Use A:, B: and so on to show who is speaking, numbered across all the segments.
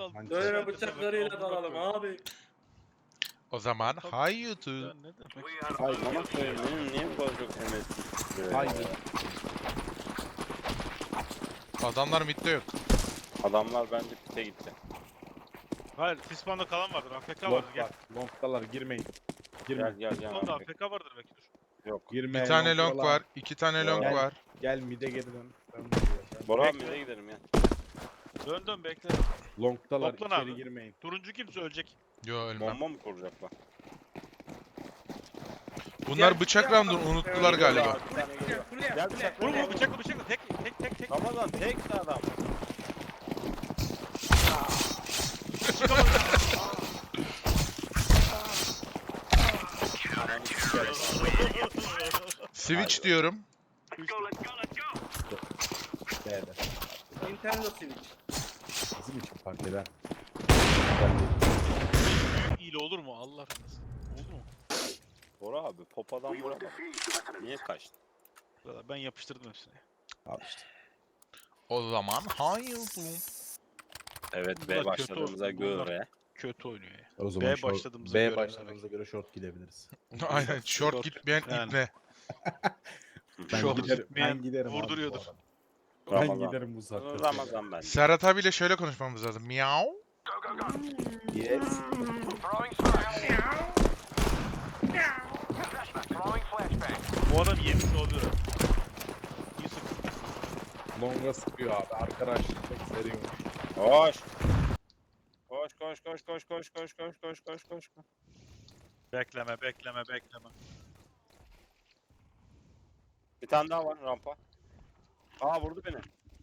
A: dal.
B: Böyle bıçaklarıyla dalalım abi.
C: O zaman hay YouTube.
A: Ne demek?
D: Ay bana koyayım benim niye bu kadar çok MS?
E: Haydi.
C: Adamlar midde yok.
D: Adamlar bence pite gitti.
A: Hayır, Tisman'da kalan vardır. AFK
E: Long
A: vardır. Gel.
E: var. Long'dalar girmeyin.
D: Gel
E: Girme.
D: gel gel.
A: Tisman'da
D: abi.
A: AFK vardır belki dur.
D: Yok.
E: Girme.
C: Bir tane long
E: long'dalar.
C: var. 2 tane long
D: Gel.
C: var.
E: Gel mid'e geri dön.
D: Bora abi
A: Bekle.
D: nereye gidelim ya?
A: Dön bekle.
E: Long'dalar
A: Toplan
E: içeri
A: abi.
E: girmeyin.
A: Turuncu kimse ölecek.
C: Yo ölmem.
D: Bomba mı kuracaklar?
C: Bunlar bıçak round'unu unuttular galiba.
D: Bir tane geliyor. Gel bıçakla.
A: Vurma bıçakla. Tek.
D: Ramazan tek de adam.
C: Switch diyorum.
E: B'de.
B: Nintendo Switch.
E: Bizim için fark eder.
A: Büyük hile olur mu Allah razı Olur mu?
D: Bora abi popadan vuramadı. Niye kaçtı?
A: Ben yapıştırdım hepsini.
E: Al işte.
C: O zaman hay YouTube.
D: Evet
A: Bunlar
D: B
A: kötü
D: başladığımıza
A: oldu. Bunlar-
D: göre.
A: Kötü oynuyor ya.
E: O zaman
A: B başladığımıza
E: B
A: göre
E: başladığımıza göre short gidebiliriz.
C: Aynen short
A: Short.
C: gitmeyen
A: Yani.
C: ibne.
E: Ben
A: Short
E: giderim.
A: gitmeyen
E: Ben giderim. abi bu
A: vurduruyordur.
E: arada. Ben
D: Ramazan.
E: giderim bu saatte.
D: Ramazan bence.
C: Serhat abiyle şöyle konuşmamız lazım. Miau.
E: Yes.
A: Bu adam yemiş oluyor. İyi sık.
E: Long'a sıkıyor abi. Arkadaş çok seriyor.
D: Koş. Koş.
A: Bekleme.
D: Bir tane daha var rampa. Aa vurdu beni.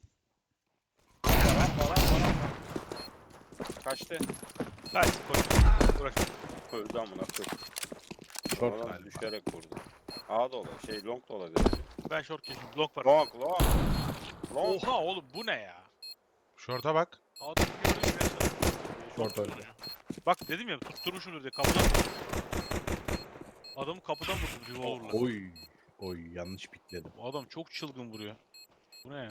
D: Rampa. Kaçtı.
A: Haydi koş. Bırak.
D: Öldü amına koyayım.
E: Short
D: Adam
E: galiba.
D: düşerek vurdu. A da olabilir. Long da olabilir.
A: Ben short geçtim. Block var.
D: Long.
A: Oha oğlum bu ne ya?
C: Short'a bak.
A: Adam görüyor.
E: Short öldü.
A: Bak dedim ya tutturmuşumdur diye kapıdan. Adamı kapıdan vurdu revolver'la.
E: Oy. Oy yanlış pikledim.
A: Bu adam çok çılgın vuruyor. Bu ne ya?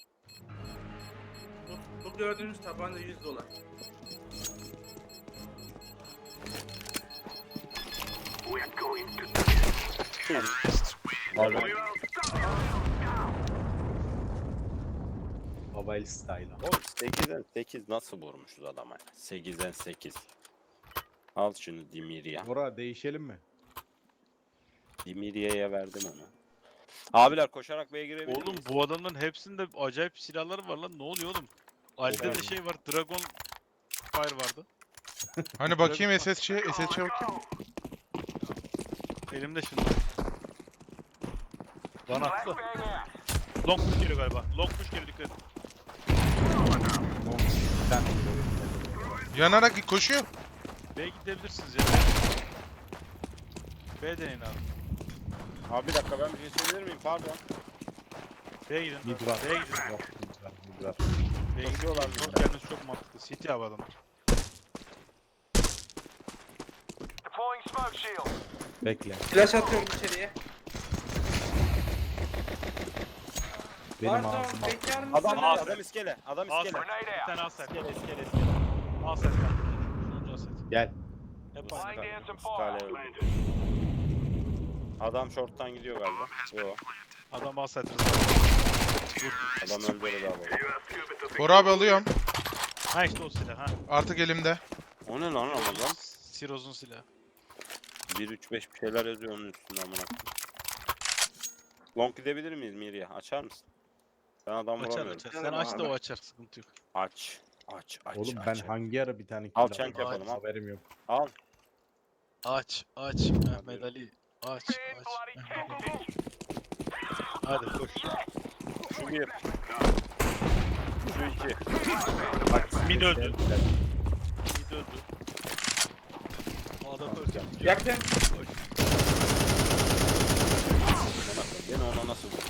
B: Bu gördüğünüz tabanca $100.
E: Abi. Mobile style.
D: Oğlum 8'den 8 nasıl vurmuşuz adama? 8'den 8. Al şunu Dimiriya.
E: Bora değişelim mi?
D: Dimiriye'ye verdim onu. Abiler koşarak B'ye girebilir
A: Oğlum
D: miyiz?
A: bu adamların hepsinde acayip silahları var lan. Ne oluyor oğlum? Ali'de de
E: Oğlum.
A: şey var. Dragon Fire vardı.
C: Hani bakayım SSC'ye bakayım.
A: Elimde şimdi. Bana attı. Long push geliyor galiba. Long push geliyor dikkat et.
E: Sen
C: Yanarak koşuyor.
A: B'ye gidebilirsiniz ya. B deneyin abi.
D: Abi bir dakika ben bir şey söyleyebilir miyim? Pardon.
A: B'ye gidin.
E: mid var.
A: B'ye gidin.
E: Yok, mid var, mid var.
A: B'ye gidin.
D: Bakıyorlar
A: Long gelmesi çok mantıklı. City abi adamlar.
E: Bekle.
B: Flash atıyorum içeriye.
E: Benim
B: Pardon,
E: ağzıma.
B: bekar mısın?
D: Adam iskele. Adam
A: Al
D: iskele.
A: Bir tane al set.
D: İskele.
A: Al set. Sonuncu al set.
E: Gel.
A: Hep aynı.
D: İskale öldü. Adam short'tan gidiyor galiba. Yo.
A: Adam al set.
D: Adam öldü öyle daha böyle.
C: Bora abi alıyorum.
A: Ha işte o silah ha.
C: Artık elimde.
D: O ne lan Ramazan?
A: Siroz'un silahı.
D: 1-3-5 bir şeyler yazıyor onun üstünde amına koyayım. Long gidebilir miyiz Miriye? Açar mısın? Ben adam
A: Açar
D: vuramıyorum.
A: açar. Sen aç da o açar. Sıkıntı yok.
D: Aç.
E: Oğlum ben hangi ara bir tane kill
D: Al
E: aldım?
D: çank yapalım, al.
E: Haberim yok.
D: Al.
A: Aç Mehmet Ali. Aç Mehmet Ali. Hadi koş.
D: Şu bir. Şu iki.
E: Bak
A: Mid öldü.
E: Gel.
A: Mid öldü. O adam öldü.
B: Yakın.
D: Amına koyayım, beni ona nasıl vurdu?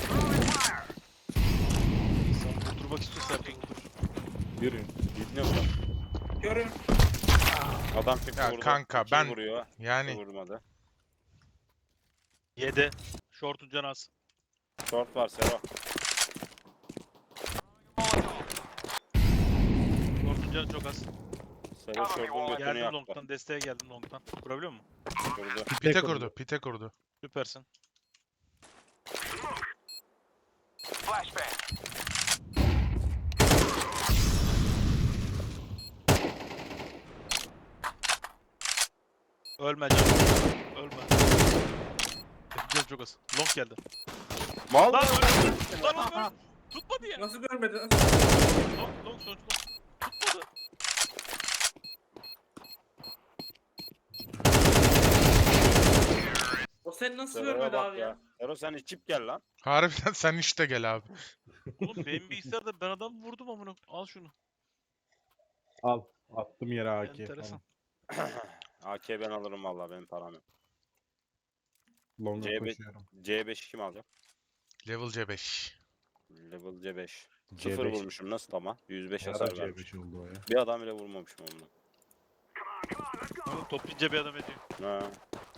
A: Sen vurdurmak istiyorsan vurdur.
E: Yürüyün.
D: Ne vurdu?
B: Görün.
D: Adam çıktı
C: Ya
D: vurdu.
C: kanka,
D: İki
C: ben-
D: vuruyor.
C: Yani
D: Vurmadı.
A: 7. Short'un canı az.
D: Short var Sero.
A: Short'un canı çok az.
D: Selo şordun götünü
A: Geldim
D: yaktı.
A: long'tan, desteğe geldim long'tan. Kurabiliyor musun?
D: Vurdu.
C: Pite kurdu. Pite kurdu.
A: Süpersin. Ölme canım. Ölme. Gel çok az. Long geldi.
D: Mal
A: Lan
D: mı?
A: öldü. Lan oğlum öldü. Tutmadı ya.
B: Nasıl görmedin?
A: Long sonuç long. Tutmadı.
B: O seni nasıl
D: Selo'ya
B: görmedi
D: bak
B: abi ya?
D: Selo sen içip gel lan.
C: Harbiden sen işte gel abi.
A: Oğlum benim bilgisayarda ben adam vurdum amına. Al şunu.
E: Al. Attım yere AK.
A: Enteresan.
D: AK ben alırım valla benim param yok.
E: Longa
D: C5
E: koşuyorum.
D: C5'i kim alacak?
C: Level C5.
D: Level C5.
E: C5.
D: 0 vurmuşum nasıl ama? 105
E: Ara
D: hasar vermiş.
E: C5 oldu o ya.
D: Bir adam bile vurmamışım onunla.
A: Oğlum toplayınca bir adam ediyor.
D: Ha.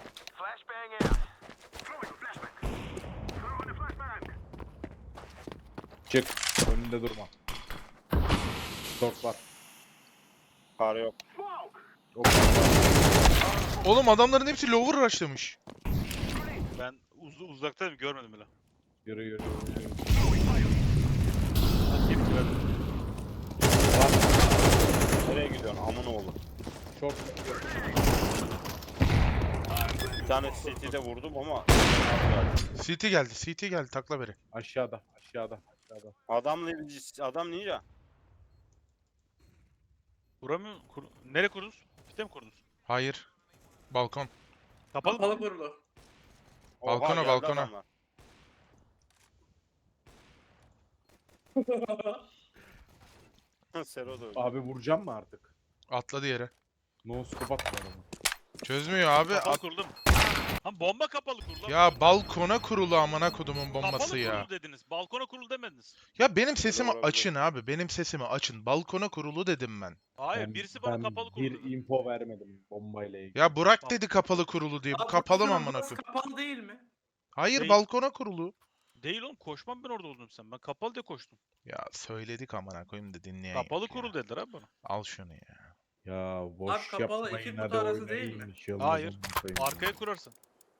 E: Çık. Önünde durma. Short var.
D: Kar yok.
E: Ok.
C: Oğlum adamların hepsi lower rushlamış.
A: Ben uzaktaydım görmedim bile.
E: Yürü yürü.
A: Bakayım ki ben.
D: Nereye gidiyorsun amın oğlu?
E: Short.
D: Bir tane CT'de vurdum ama
C: CT geldi. CT geldi. Takla beri.
E: Aşağıda. Aşağıda. Aşağıda.
D: adam ninja.
A: Vuramıyor. Nereye kurdunuz? Pite mi kurdunuz?
C: Hayır. Balkon.
A: Kapalı mı?
B: Kapalı kurulu.
C: Balkona,
D: geldi
C: balkona.
D: adamlar. Sero da öldü.
E: Abi vuracağım mı artık?
C: Atladı yere.
E: No scope atma adamı.
C: Çözmüyor abi.
A: Kapalı kuruldu mu? Ha bomba kapalı kurulu.
C: Ya balkona kurulu amına kodumun bombası
A: kapalı
C: ya.
A: kurulu dediniz. Balkona kurulu demediniz.
C: Ya benim sesimi
D: olabilir.
C: açın abi. Benim sesimi açın. Balkona kurulu dedim ben.
A: Hayır birisi bana kapalı kurulu
E: bir
A: dedi.
E: info vermedim bombayla ilgili.
C: Ya Burak dedi kapalı kurulu diye. Bu
B: Abi
C: kapalı mı
B: burası
C: amına koyayım?
B: kapalı değil mi?
C: Hayır
A: Değil.
C: balkona kurulu.
A: Değil oğlum koşmam ben orada oldum sen. Ben kapalı diye koştum.
C: Ya söyledik amına koyayım da dinleyen
A: Kapalı
C: yok ya.
A: kurulu dediler abi bana.
C: Al şunu ya.
E: Ya boş
B: Abi kapalı
E: yapmayın
B: iki
E: hadi
B: kutu arası
E: oynayın.
B: değil mi?
E: Şey olmaz
A: Hayır.
E: amına koyayım.
A: Arkaya kurarsın.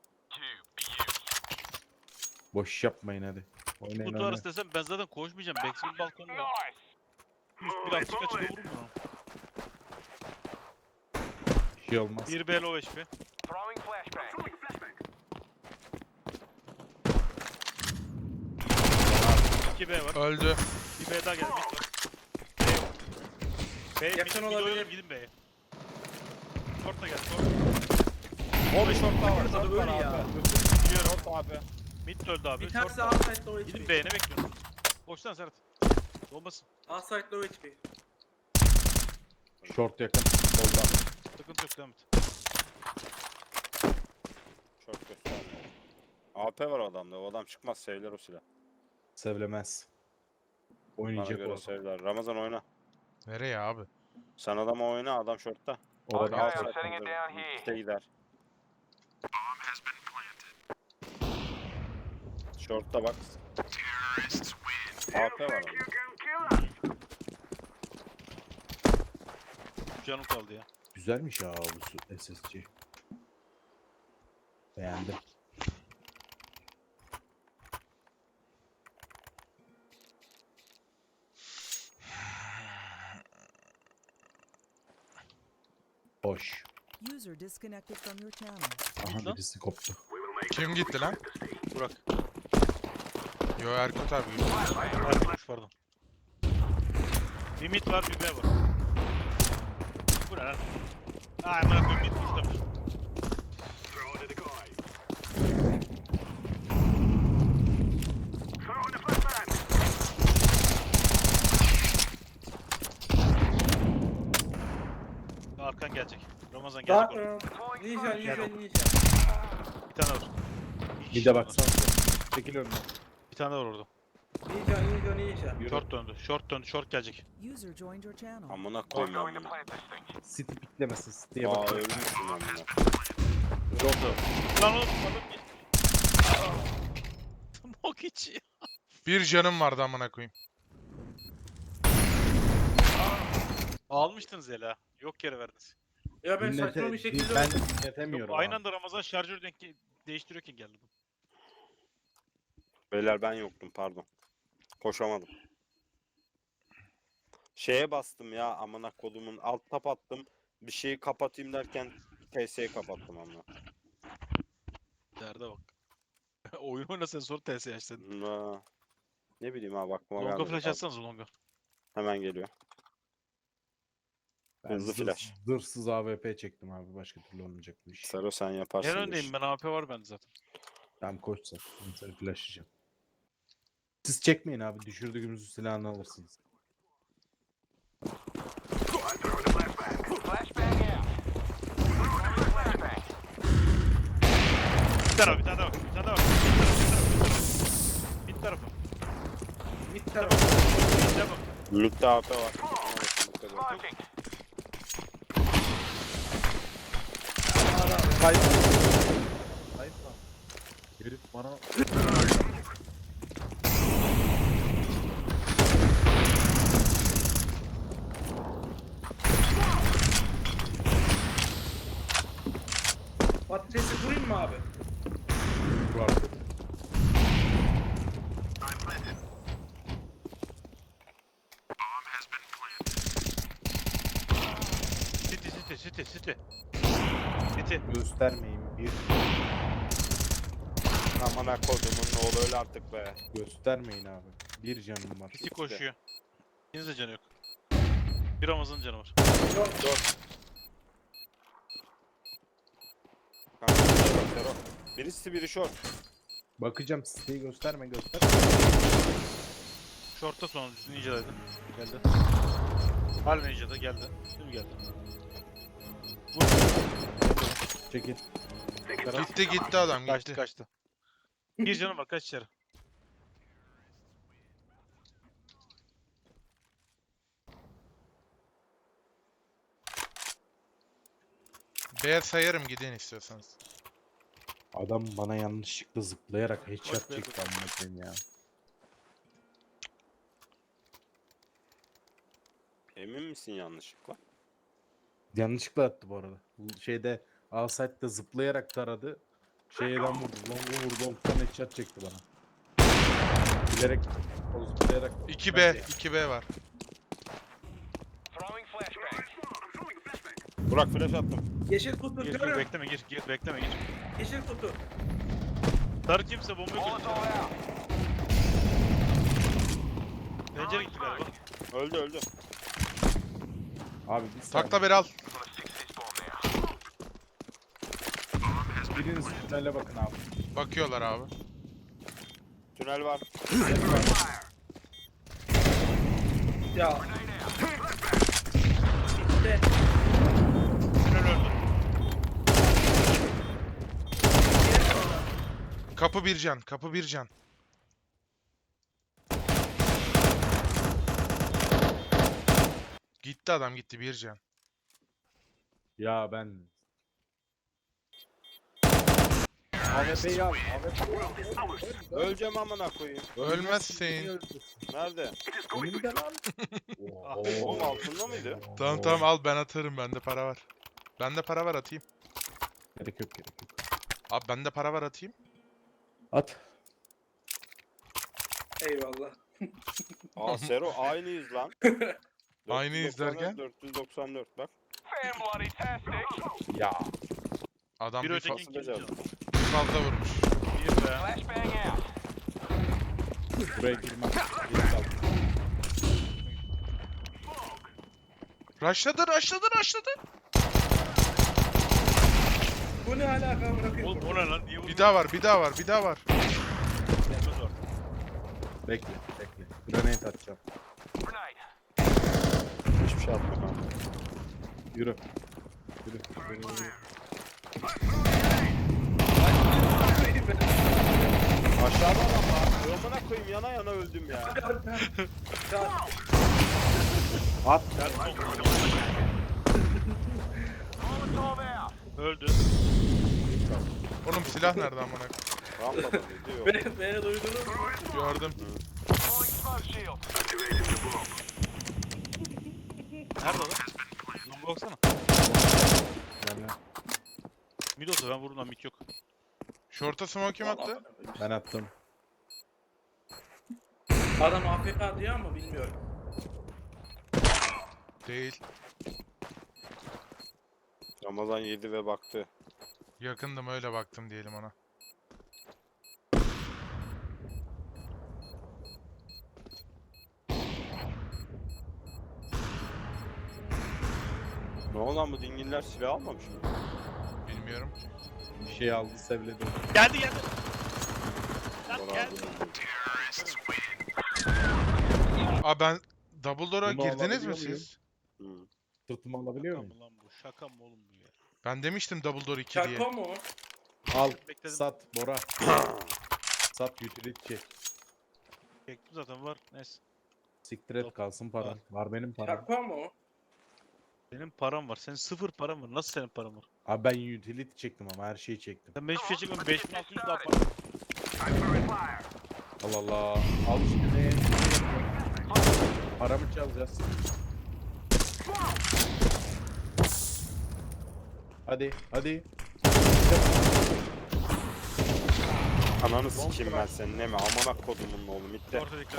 E: Boş yapmayın hadi. Oynayın
A: Kutu
E: oynayın.
A: arası desem ben zaten koşmayacağım. Backstreet balkonda. Üst bir açık açık vururum ben onu.
E: Bir şey olmaz.
A: 1 B low HP. İki B var.
C: Öldü.
A: Bir B daha geldi. B
B: Yakın olabilir.
A: Gidin B'ye. Short da geldi. Short.
D: O bir short daha var. Short
B: Öl
D: var
B: ya.
D: abi.
A: Biliyorum.
D: Short abi.
A: Mid de öldü abi.
B: Bir
A: Short
B: tanesi
A: da.
B: outside low
A: Gidin
B: HP.
A: B'ye ne bekliyorsun? Boştan Serhat. Olmasın.
B: Outside low HP.
E: Short yakın. Solda.
A: Sıkıntı yok devam et.
D: Short göstermiyor. AP var o adamda. O adam çıkmaz sevler o silah.
E: Sevlemez.
D: Bana
E: Oynayacak
D: göre
E: o.
D: sevler. Ramazan oyna.
C: Nereye abi?
D: Sen adama oyna adam shortta.
E: Orada
D: Al
E: outside.
D: sen. İşte gider. Short'ta bak. AP var orada.
A: Canım kaldı ya.
E: Güzelmiş ya bu SSC. Beğendim. Hoş.
F: User disconnected from your channel.
E: Aha
A: lan.
E: birisi koptu.
C: Kim gitti lan?
A: Burak.
C: Yo Erkut abi. gitti.
A: Erkutmuş pardon. Bir mid var bir B var. Bu ne lan? Aa amına koyayım mid tuşlamış. Arkan gelecek. Ramazan gelecek oraya.
B: Ninja ninja
A: Gel.
B: ninja.
A: Bir tane var.
E: Bir de baksana. Çekil önüne.
A: Bir tane var orada.
B: Ninja ninja ninja.
E: Yürü.
A: Short döndü. Short döndü. Short gelecek.
F: User joined your channel.
D: Amına koyayım amına.
E: City piklemesin. City'ye
D: Aa
E: bak.
D: ölmüşsün amına.
A: Lan oğlum adam gel. Smoke içi.
C: Bir canım vardı amına koyayım.
A: Almıştınız hele ha. Yok yere verdiniz.
B: Ya ben saçma bir şekilde
E: ben
B: öldüm.
E: dinletemiyorum
A: Yok, aynı
E: abi.
A: anda Ramazan şarjör değiştiriyorken geldi bu.
D: Beyler ben yoktum pardon. Koşamadım. Şeye bastım ya amına kodumun alt tab attım. Bir şeyi kapatayım derken PS'yi kapattım amına.
A: Derde bak. Oyun oynasın sonra TS açtın.
D: Ha. Ne bileyim abi aklıma
A: Longa
D: gelmedi.
A: flash
D: Pardon.
A: atsanız longa.
D: Hemen geliyor.
E: Ben
D: Hızlı flash.
E: Zırhsız AWP çektim abi. Başka türlü olmayacak bu iş.
D: Sero sen yaparsın.
A: En
D: bu
A: öndeyim
D: işi.
A: ben, AP var bende zaten.
E: Ben koçsam. Ben seni flashlayacağım. Siz çekmeyin abi. Düşürdüğümüz silahını alırsınız.
A: Bir taraf, bir tane daha bak. Bir tane daha bak. Bir tarafı.
B: Mid
A: Bir
B: taraf.
A: tarafı. Bir tarafı.
D: Mid'de AP var. Ona bakın, dikkat edin.
E: Kayıp. Kayıp lan. Herif bana...
B: Patatesi kurayım mı abi?
E: Var.
A: City. City.
E: Göstermeyin. Bir
D: Amına kodumun ne olur öyle artık be.
E: göstermeyin abi. Bir canım var.
A: City koşuyor. İkiniz de canı yok. Bir Ramazan canı var.
D: Kanka, Sero. Birisi biri short.
E: Bakacağım siteyi gösterme.
A: Short'ta son Ninja'daydı. Geldi. Hal Ninja'da geldi. Şimdi geldi. Vur.
E: Çekil.
C: Gitti adam
A: Kaçtı
C: gitti.
A: kaçtı. Bir canım var, kaç içeri.
C: B sayarım gidin istiyorsanız.
E: Adam bana yanlışlıkla zıplayarak headshot
A: Bak be,
E: çekti amına koyayım ya.
D: Emin misin yanlışlıkla?
E: Yanlışlıkla attı bu arada. Bu şeyde Alsite'de zıplayarak taradı. Şeyden vurdu. Long'u vurdu. Long'dan headshot çekti bana. Bilerek o zıplayarak
C: 2B. 2B var.
D: Burak flash attım.
B: Yeşil kutu
A: Gir
B: görüyorum.
A: bekleme gir bekleme gir.
B: Yeşil kutu.
A: Sarı kimse bombayı koydu. Pencere gitti galiba.
D: Öldü.
E: Abi bir saniye.
C: Takla beri al.
E: Biriniz tünele bakın abi.
C: Bakıyorlar abi.
D: Tünel var.
B: Ya. İşte.
A: Tünel öldü.
C: Kapı bir can. Kapı bir can. Gitti adam gitti bir can.
E: Ya ben... AWP'yi al.
D: Öleceğim amına koyayım.
C: Ölmezsin.
D: Nerede?
E: Önümde lan.
D: Oğlum altında mıydı?
C: Tamam al ben atarım bende para var. Bende para var atayım.
E: Gerek yok.
C: Abi bende para var atayım.
E: At.
B: Eyvallah.
D: Aa Sero aynıyız lan.
C: Aynıyız
D: 494,
C: derken?
D: 494 bak.
E: Ya.
C: Adam
A: Bir
C: bir,
A: öteki
D: Nasıl
A: ikinci
D: becerdin?
A: canı.
C: fazla vurmuş.
A: Bir be.
E: Buraya girmem. Geri kal.
C: Rushladı.
B: Bu ne alaka bırakayım?
A: Oğlum o ne lan? Niye
C: Bir daha var.
A: Gelmez var.
E: Bekle. Grenade atacağım.
D: Hiçbir şey atma kanka.
E: Yürü.
D: Aşağıda adam var. Amına koyayım yana öldüm ya.
E: At.
A: Öldü.
C: Oğlum silah nerede amına?
D: Rampada diyor.
B: Beni duydunuz mu?
C: Gördüm.
A: Nerede lan? Bu baksana.
E: Yani
A: Mid olsa ben vururum lan mid yok.
C: Short'a smoke kim attı?
E: ben attım.
B: Adam AFK diyor ama bilmiyorum.
C: Değil.
D: Ramazan yedi ve baktı.
C: Yakındım öyle baktım diyelim ona.
D: Ne oldu lan bu dingiller silah almamış mı?
C: Bilmiyorum.
E: Bir şey aldı sevledi.
A: Geldi geldi. Lan
D: Bora
A: geldi.
C: Aa ben Double Door'a
E: Bunu
C: girdiniz mi
E: alabiliyor muyum?
C: siz?
D: Hı.
E: Sırtımı alabiliyor
A: Şaka
E: muyum?
A: mı lan bu? Şaka mı oğlum bu ya?
C: Ben demiştim Double Door 2 diye.
B: Şaka mı?
E: Al.
A: Bekledim.
E: Sat Bora. Sat utility.
A: Çektim zaten var. Neyse.
E: Siktir et kalsın paran. Var benim param.
B: Şaka mı?
A: Benim param var. Senin sıfır param var. Nasıl senin param var?
E: Abi ben utility çektim ama her şeyi çektim.
A: Sen 5 şey çekmem. 5600 daha para.
E: Allah Allah. Al şimdi. Paramı çalacağız. Hadi hadi.
D: Ananı sikeyim ben senin ne mi? Amına kodumun oğlum mitte.
A: Orta dikkat.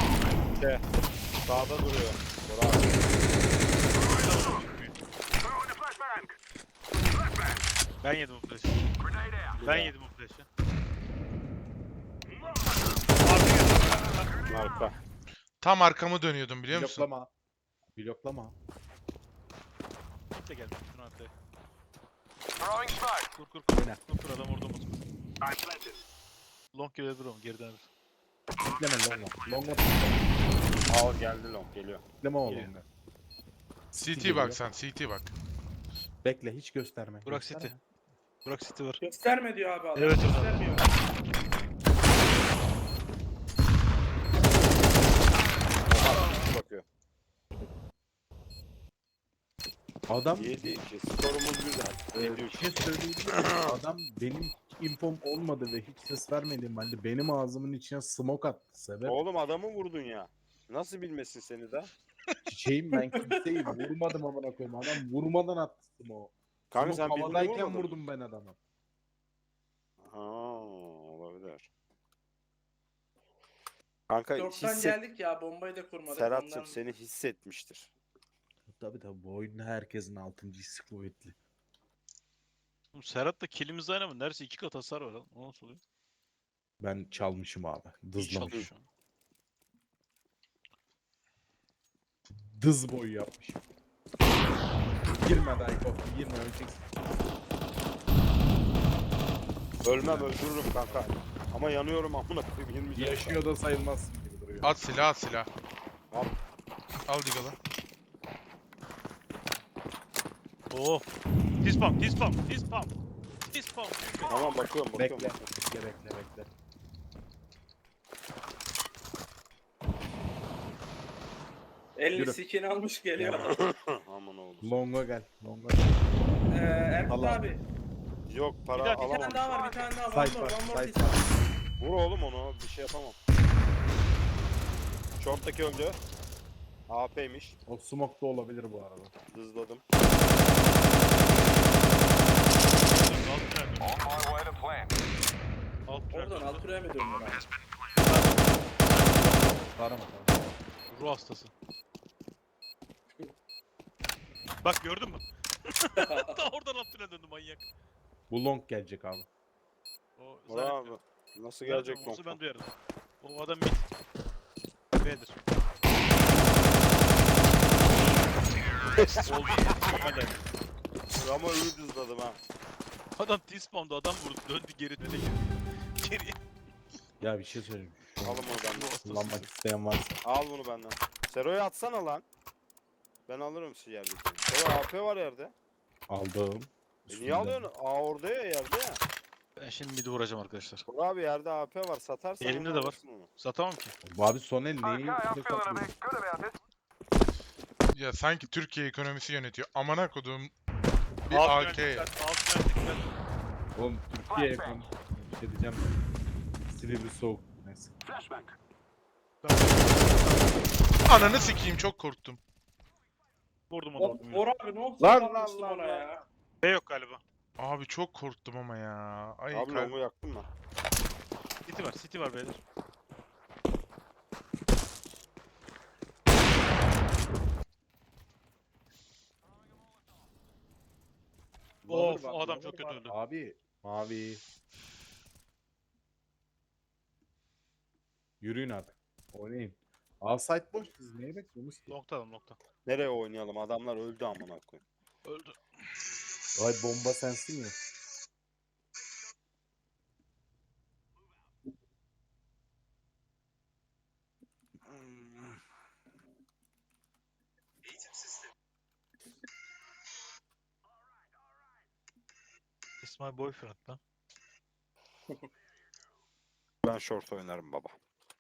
D: Sağda duruyor. Bora abi.
A: Ben yedim bu flash'ı. Ben yedim bu flash'ı.
D: Arka.
C: Tam arkamı dönüyordum biliyor musun?
E: Bloklama. Bloklama.
A: Git de gel. Şunu atla. Kur kur
E: Oyna.
A: kur. Kur adam orada olmasın. Long gelebilir ama geriden alır.
E: Bekleme longa. Longa
D: Al geldi long geliyor.
E: bekleme o
A: Geliyor.
E: longa.
C: CT bak sen CT bak.
E: Bekle hiç gösterme.
A: Burak
E: gösterme.
A: City. Burak City var.
B: Gösterme diyor abi adam.
A: Evet, evet.
B: Göstermiyor.
D: Bakıyor.
E: Adam
D: 7-2. Skorumuz güzel.
E: bir
D: 7-3.
E: şey söyleyeyim mi? Adam benim infom olmadı ve hiç ses vermediğim halde benim ağzımın içine smoke attı. Sebep
D: Oğlum adamı vurdun ya. Nasıl bilmesin seni de?
E: çiçeğim ben kimseyi vurmadım amına koyayım. Adam vurmadan attı smoke.
D: Kanka
E: Smoke
D: sen birini
E: havadayken
D: vurmadın.
E: vurdum ben adamı.
D: Ha, olabilir. Kanka
B: Çoktan geldik ya bombayı da kurmadık.
D: Serhat'cığım
B: Ondan-
D: seni hissetmiştir.
E: Tabii bu oyunda herkesin 6. hissi kuvvetli.
A: Oğlum Serhat'la killimiz aynı mı? Neredeyse 2 kat hasar var lan. O nasıl oluyor?
E: Ben çalmışım abi.
A: İyi
E: Dızlamış.
A: çalıyor şu an.
E: Dız boyu yapmışım. Girme Dayko. Girme öleceksin.
D: Ölmem öldürürüm kanka. Ama yanıyorum amına koyayım 20 can.
E: Yaşıyor da sayılmazsın gibi duruyor.
C: At silah at silah.
D: Al.
C: Al Diggle'ı.
A: Oo. Dispam, dispam, dispam. Dispam.
D: Tamam bakıyorum bakıyorum.
E: Bekle. Bekle.
B: Elini
E: Yürü.
B: sikini almış geliyor.
D: Aman oğlum.
E: Longa gel. Longa.
B: Erkut
E: Allah.
B: abi.
D: Yok para
A: Bir dakika,
B: Bir tane
D: alamam.
B: daha var, bir tane daha.
E: Site var.
B: One more
E: Site
B: piece.
E: var.
D: Vur oğlum onu bir şey yapamam. Short'taki öldü. AP'ymiş.
E: O smoke da olabilir bu arada.
D: Hızladım.
A: Alt tünel.
B: Oradan alt buraya mı döndün abi?
E: Tarama.
A: Ruh hastası. Bak gördün mü? Daha oradan alt tünel döndü manyak.
E: Bu long gelecek abi.
A: O
D: Bravo. Nasıl gelecek
A: Olsa
D: nokta?
A: ben duyarım. O adam mid. B'dir. Oldu. Hadi.
D: Ama iyi hızladım ha.
A: Adam T-spawn'da adam vurdu. Döndü geri döne geri. Geriye.
E: Ya bir şey söyleyeyim. Şu
D: Alın bunu benden.
E: kullanmak isteyen varsa.
D: Al bunu benden. Sero'yu atsana lan. Ben alırım şu yerdeki. Sero AP var yerde.
E: Aldım.
D: Niye alıyorsun? Aa orada ya yerde ya.
A: Ben şimdi mid'i vuracağım arkadaşlar.
D: Bur abi yerde AP var satarsan.
A: Elimde
D: onu
A: de var.
D: alırsın onu.
A: Satamam ki.
E: Bu abi son el neyi üstüne katlıyor?
C: Ya sanki Türkiye ekonomisi yönetiyor. Amına kodum. Bir
A: Alt
C: AK.
A: tünel dikkat, alt tünel dikkat.
E: Oğlum Türkiye ekonomisi. Bir şey diyeceğim. Silivri soğuk. Neyse.
C: Ananı sikeyim çok korktum.
A: Vurdum onu vurdum.
B: Bora abi ne oldu?
D: Lan,
B: Sanmıştım
D: lan,
B: ona
D: lan.
B: ya.
A: B yok galiba.
C: Abi çok korktum ama ya. Ay
D: Abi longu yaktın mı?
A: City var beyler. Of, o adam çok kötü öldü.
E: Abi mavi. Yürüyün artık. Oynayın. Outside boş, siz neye bekliyorsunuz ki?
A: Nokta.
D: Nereye oynayalım? Adamlar öldü amına koyayım.
A: Öldü.
E: Ay bomba sensin ya.
A: It's my boyfriend lan.
D: Ben short oynarım baba.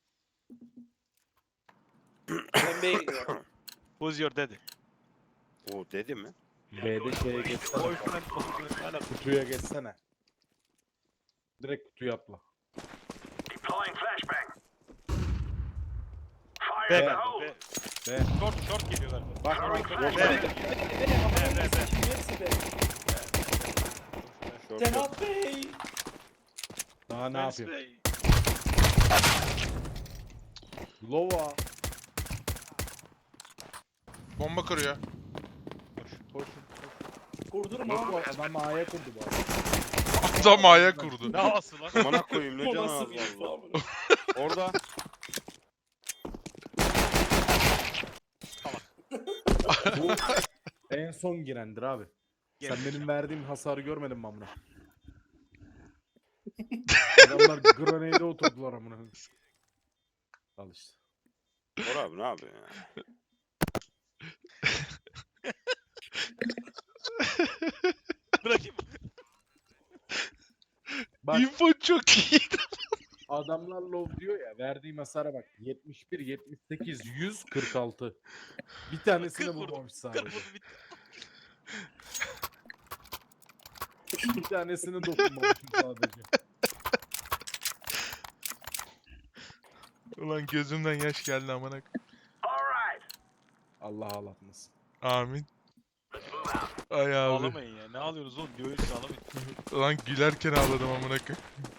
B: Ben B'ye gidiyorum.
A: Who's your daddy?
D: O dedi mi?
E: B'de şeye geçsene.
A: Boyfriend. Hala
E: Kutuya geçsene. Direkt kutuya atla.
A: B galiba. B.
E: B.
A: Short geliyor galiba.
E: Bak
A: B. B.
B: Hepsi B.
D: Short yok.
B: Cenab Bey.
E: daha ne
A: Nice
E: yapayım?
A: play.
E: Lova.
C: Bomba kırıyor.
E: Koşun.
B: Kurdurma
E: Yok bu
B: abi.
E: adam A'ya kurdu bu arada.
C: Adam ayak kurdu.
A: Ne havası lan?
D: Amına koyayım ne
B: O
D: canı
B: nasıl
D: az
B: bir info
D: valla.
B: abi?
D: Orada.
E: Bu en son girendir abi. Sen benim verdiğim hasarı görmedin mi amına? Adamlar grenade'e oturdular amına. Al işte.
D: Bora abi ne yapıyorsun ya?
A: Bırakayım.
E: Bak
C: İnfo çok iyi.
E: adamlar low diyor ya, verdiğim hasara bak. 71, 78, 100, 46. Bir tanesini
A: 40 vurdum,
E: vurmamış
A: 40
E: sadece.
A: vurdu bitti.
E: Bir tanesini dokunmamışım sadece.
C: Ulan gözümden yaş geldi amına.
E: Allah ağlatmasın.
C: Amin. Ay abi.
A: Ağlamayın ya. Ne ağlıyorsunuz oğlum? Diyoruz ağlamayın.
C: Ulan gülerken ağladım amına koyayım.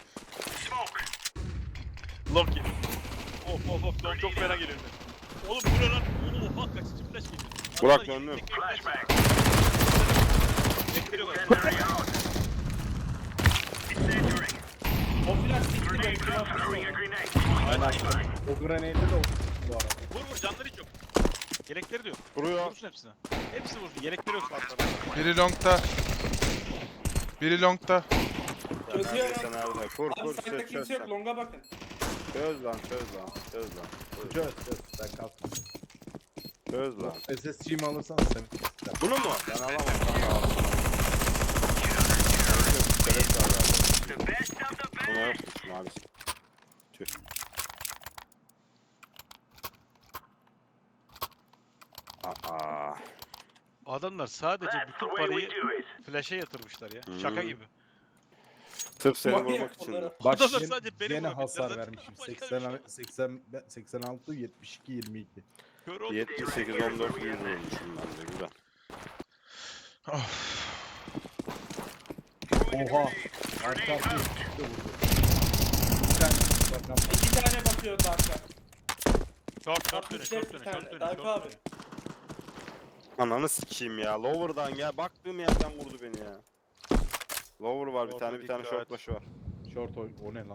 A: Long geliyor. Of. Long çok fena geliyor. Oğlum bu ne lan? Oha kaçıncı flash geliyor.
D: Burak
A: Adamlar
D: döndüm.
A: tek flash. Bekliyor galiba.
B: O flash sikti ben kulağı
E: Aynen. O grenade'e de oturttum bu arada.
A: Vur canları hiç yok. Yelekleri de yok.
D: Vuruyor.
A: Vursun hepsine. Hepsi vursun. Yelekleri yok zaten.
C: Biri longta. Biri longta.
B: Çözüyorum.
D: Sen nerede? Kur
B: Abi
D: çöz
B: sende kimse yok.
D: sen.
B: Longa bakın.
D: Çöz lan.
E: Çöz. Sen kalk.
D: Çöz lan.
E: SSG'mi alırsan sen.
D: Bunu mu? Ben alamam. Ben alamam. Şeref var abi. Buna yokmuş maalesef. Tüh. Aa.
A: Adamlar sadece bütün parayı flash'e yatırmışlar ya. Şaka
D: Hmm.
A: gibi.
D: Sırf seni
B: Manyak
D: vurmak için.
B: bunlar.
D: mi?
E: Bak
A: Adamlar
E: gene,
A: sadece beni
E: gene
A: vurabildiler
E: hasar
A: zaten.
E: vermişim.
A: Başka bir şey
E: 86, 72, 22.
A: Kör oldu.
D: 78 14 100 vurmuşum ben de güzel.
C: Of.
E: Oha. Arka arkaya üstte vurdu. Bir tane bakalım.
B: 2 tane bakıyor arka.
A: Short dönüyor.
B: Bir tane. Tayfa abi.
D: Ananı sikeyim ya. Lower'dan gel. Baktığım yerden vurdu beni ya. Lower var bir
A: Orta
D: tane
A: dikkat.
D: short başı var.
E: Short oy. O ne lan?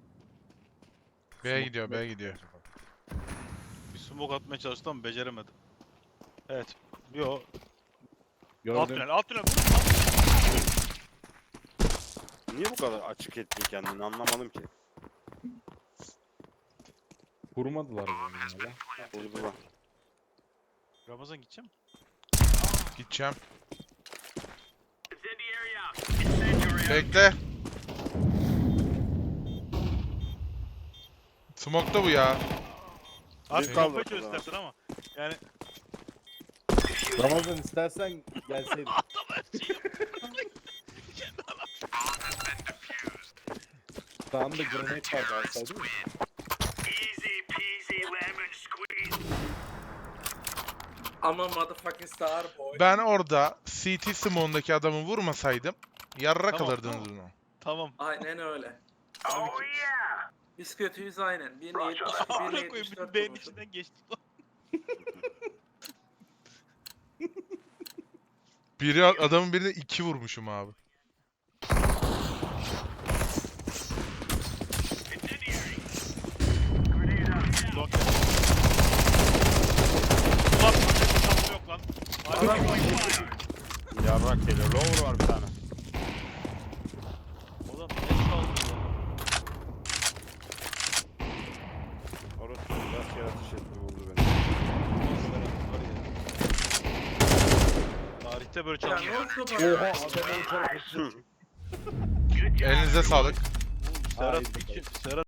C: B'ye gidiyor, B'ye gidiyor.
A: Bir smoke atmaya çalıştım ama beceremedim. Evet. Yo. Alt
E: Gördüm.
A: tünel. Alt tünel.
D: Niye bu kadar açık ettin kendini anlamadım ki.
E: Kurmadılar bunu ya.
D: Vurdular.
A: Ramazan gideceğim.
C: Gideceğim. Bekle. Smoke'ta bu ya.
A: Abi
D: Bir
A: kafayı
D: kaldı
A: çöz
D: ortada.
A: istersen ama. Yani
E: Ramazan istersen gelseydin. Sağında granate var galiba değil mi?
B: I'm a motherfucking star boy.
C: Ben orada CT Simone'daki adamı vurmasaydım yarrak
A: Tamam,
C: alırdınız
A: tamam.
C: bunu.
A: Tamam.
B: Aynen öyle. Biz kötüyüz aynen. Birine 72,
A: Amına
B: birine
A: koyayım
B: 74
A: beyin
B: vurmuşum.
A: içinden geçti.
C: Adamın birine 2 vurmuşum abi.
A: Long gel. Ulan bir şansı yok lan.
B: Adam
D: Yarrak geliyor. Lower var bir tane.
A: Oğlum ne çaldı ya?
D: Orası biraz yaratış etti vurdu beni.
A: Tarihte böyle
B: ya
A: çaldı.
B: ne oldu bana?
C: Elinize sağlık.
A: Serhat için Serhat